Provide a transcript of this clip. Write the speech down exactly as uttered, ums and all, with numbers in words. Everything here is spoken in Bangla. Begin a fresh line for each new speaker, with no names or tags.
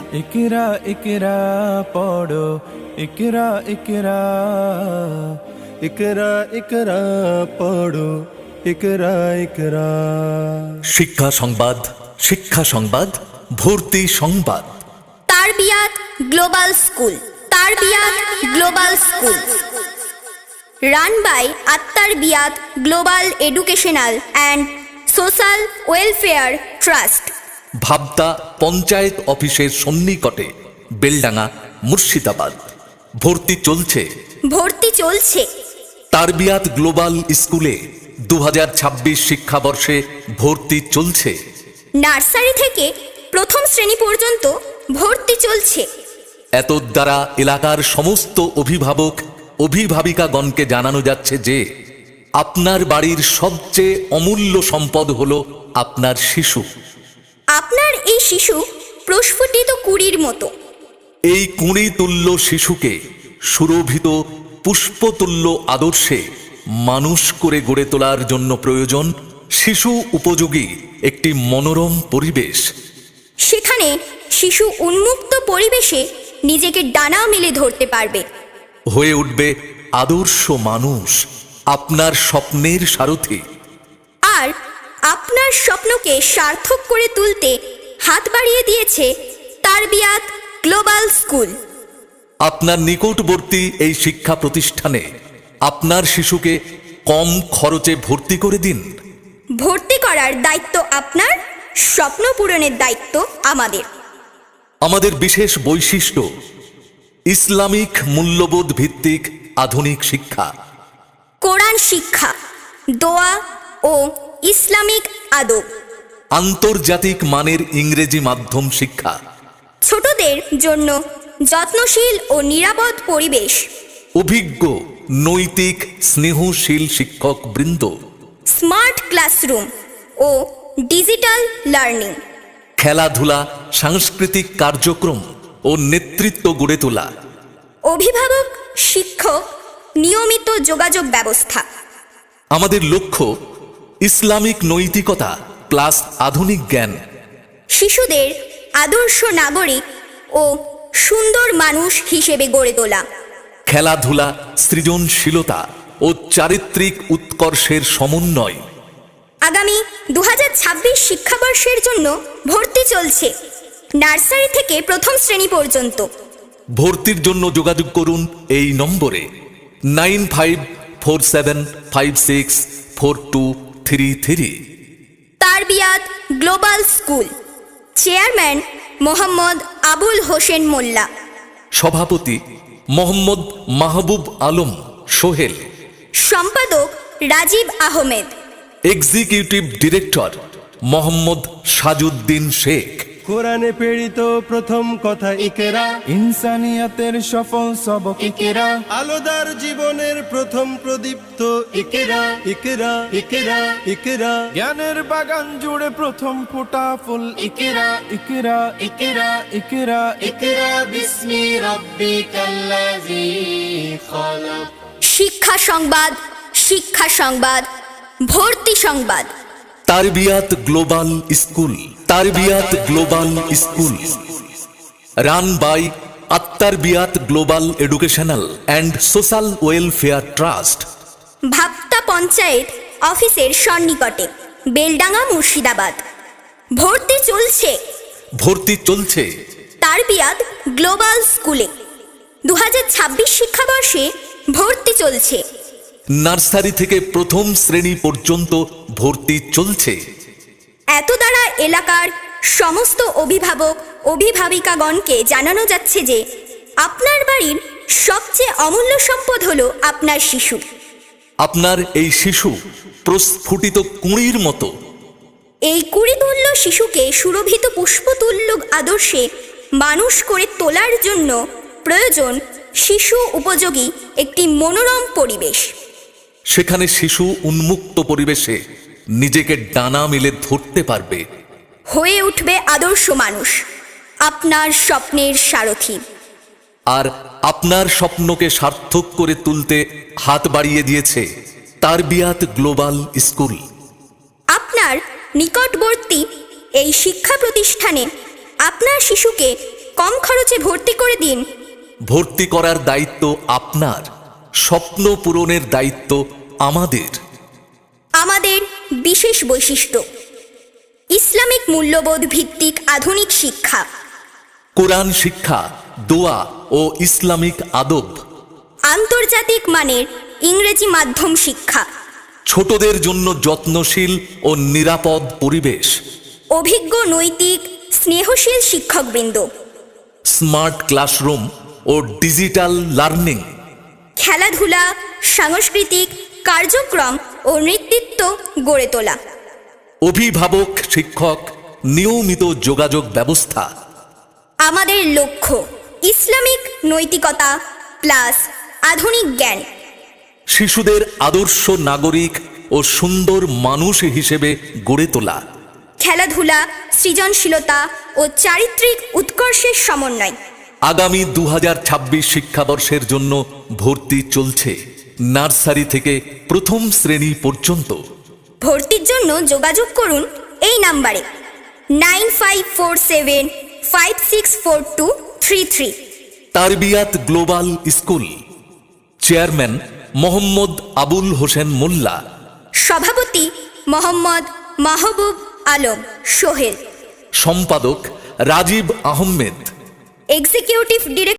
ইকরা ইকরা পড়ো, ইকরা ইকরা, ইকরা ইকরা পড়ো, ইকরা ইকরা।
শিক্ষা সংবাদ, শিক্ষা সংবাদ, ভর্তি সংবাদ।
Tarbiyat global school, Tarbiyat global school, run by Attarbiyat global educational and social welfare trust,
Bhabta panchayat অফিসের সন্নিকটে, বেলডাঙ্গা, মুর্শিদাবাদ। ভর্তি চলছে,
ভর্তি চলছে।
তারবিয়াত গ্লোবাল স্কুলে দু হাজার ছাব্বিশ শিক্ষাবর্ষে ভর্তি চলছে।
নার্সারি থেকে প্রথম শ্রেণী পর্যন্ত ভর্তি চলছে।
এত দ্বারা এলাকার সমস্ত অভিভাবক অভিভাবিকাগণকে জানানো যাচ্ছে যে আপনার বাড়ির সবচেয়ে অমূল্য সম্পদ হল আপনার শিশু।
আপনার এই শিশু প্রস্ফুটিত কুঁড়ির মতো।
এই কুঁড়ি তুল্য শিশুকে সুরভিত পুষ্পতুল্য আদর্শে মানুষ করে গড়ে তোলার জন্য প্রয়োজন শিশু উপযোগী একটি মনোরম পরিবেশ।
সেখানে শিশু উন্মুক্ত পরিবেশে নিজেকে ডানা মেলে ধরতে পারবে,
হয়ে উঠবে আদর্শ মানুষ, আপনার স্বপ্নের সারথি।
আর আপনার স্বপ্নকে সার্থক করে তুলতে হাত বাড়িয়ে দিয়েছে তারবিয়াত গ্লোবাল স্কুল।
আপনার নিকটবর্তী এই শিক্ষা প্রতিষ্ঠানে আপনার শিশুকে কম খরচে ভর্তি করে দিন।
ভর্তি করার দায়িত্ব আপনার, স্বপ্ন পূরণের দায়িত্ব আমাদের।
আমাদের বিশেষ বৈশিষ্ট্য ইসলামিক মূল্যবোধ ভিত্তিক আধুনিক শিক্ষা,
কোরআন শিক্ষা, দোয়া ও ইসলামিক আদব,
আন্তর্জাতিক মানের ইংরেজি মাধ্যম শিক্ষা,
ছোটদের জন্য যত্নশীল ও নিরাপদ পরিবেশ,
অভিজ্ঞ নৈতিক স্নেহশীল শিক্ষক বৃন্দ,
স্মার্ট ক্লাসরুম ও ডিজিটাল লার্নিং,
খেলাধুলা, সাংস্কৃতিক কার্যক্রম ও নেতৃত্ব গড়ে তোলা,
অভিভাবক শিক্ষক নিয়মিত যোগাযোগ ব্যবস্থা।
আমাদের লক্ষ্য ইসলামিক নৈতিকতা প্লাস আধুনিক জ্ঞান।
শিশুদের আদর্শ নাগরিক ও সুন্দর মানুষ হিসেবে গড়ে তোলা।
খেলাধুলা, সৃজনশীলতা ও চারিত্রিক উৎকর্ষের সমন্বয়।
আগামী দু হাজার ছাব্বিশ শিক্ষাবর্ষের জন্য ভর্তি চলছে নার্সারি থেকে প্রথম শ্রেণী পর্যন্ত।
ভর্তির জন্য যোগাযোগ করুন এই নম্বরে nine five four seven five six four two three three.
Tarbiyat global school, chairman Mohammad Abul Hossain Molla,
সভাপতি মোহাম্মদ মাহবুব আলম সোহেল,
সম্পাদক রাজীব আহমেদ,
এক্সিকিউটিভ ডিরেক্টর মোহাম্মদ সাজউদ্দিন শেখ।
কোরআনে প্রেরিত প্রথম কথা ইকরা, ইনসানিয়াতের সফল সবক ইকরা, আলোদার জীবনের প্রথম প্রদীপ্ত ইকরা, ইকরা ইকরা ইকরা, জ্ঞানের বাগান জুড়ে প্রথম ফোটা ফুল ইকরা, ইকরা ইকরা ইকরা ইকরা বিসমি রাব্বিকাল্লাযী খালাক।
শিক্ষা সংবাদ, শিক্ষা সংবাদ, ভর্তি সংবাদ।
Tarbiyat global school, Tarbiyat global school, run by Attarbiyat global educational and social welfare trust,
Bhabta panchayat অফিসের সন্নিকটে, বেলডাঙ্গা, মুর্শিদাবাদ। ভর্তি চলছে,
ভর্তি চলছে।
তারবিয়াত গ্লোবাল স্কুলে দু হাজার ছাব্বিশ শিক্ষাবর্ষে ভর্তি চলছে।
নার্সারি থেকে প্রথম শ্রেণী পর্যন্ত ভর্তি চলছে।
এত দ্বারা এলাকার সমস্ত অভিভাবক অভিভাবিকাগণকে জানানো যাচ্ছে যে আপনার বাড়ির সবচেয়ে অমূল্য সম্পদ হলো আপনার শিশু।
আপনার এই শিশু প্রস্ফুটিত কুঁড়ির মতো।
এই কুড়িতুল্য শিশুকে সুরভিত পুষ্পতুল্য আদর্শে মানুষ করে তোলার জন্য প্রয়োজন শিশু উপযোগী একটি মনোরম পরিবেশ।
সেখানে শিশু উন্মুক্ত পরিবেশে নিজেকে ডানা মেলে ধরতে পারবে,
হয়ে উঠবে আদর্শ মানুষ, আপনার স্বপ্নের সারথি।
আর আপনার স্বপ্নকে সার্থক করে তুলতে হাত বাড়িয়ে দিয়েছে তারবিয়াত গ্লোবাল স্কুল।
আপনার নিকটবর্তী এই শিক্ষা প্রতিষ্ঠানে আপনার শিশুকে কম খরচে ভর্তি করে দিন।
ভর্তি করার দায়িত্ব আপনার, স্বপ্ন পূরণের দায়িত্ব আমাদের।
আমাদের বিশেষ বৈশিষ্ট্য: ইসলামিক মূল্যবোধ ভিত্তিক আধুনিক শিক্ষা,
কোরআন শিক্ষা, দোয়া ও ইসলামিক আদব,
আন্তর্জাতিক মানের ইংরেজি মাধ্যম শিক্ষা,
ছোটদের জন্য যত্নশীল ও নিরাপদ পরিবেশ,
অভিজ্ঞ নৈতিক স্নেহশীল শিক্ষকবৃন্দ,
স্মার্ট ক্লাসরুম ও ডিজিটাল লার্নিং,
খেলাধুলা, সাংস্কৃতিক কার্যক্রম ও নেতৃত্ব গড়ে তোলা,
অভিভাবক শিক্ষক নিয়মিত যোগাযোগ ব্যবস্থা।
আমাদের লক্ষ্য ইসলামিক নৈতিকতা প্লাস আধুনিক জ্ঞান।
শিশুদের আদর্শ নাগরিক ও সুন্দর মানুষ হিসেবে গড়ে তোলা।
খেলাধুলা, সৃজনশীলতা ও চারিত্রিক উৎকর্ষের সমন্বয়।
আগামী দু হাজার ছাব্বিশ শিক্ষাবর্ষের জন্য ভর্তি চলছে নার্সারি থেকে প্রথম শ্রেণী পর্যন্ত।
ভর্তির জন্য যোগাযোগ করুন এই নাম্বারে nine five four seven five six four two three three.
Tarbiyat global school, chairman Mohammad Abul Hossain Molla,
সভাপতি মোহাম্মদ মাহবুব আলম সোহেল,
সম্পাদক রাজীব আহমেদ,
এক্সিকিউটিভ ডিরেক্টর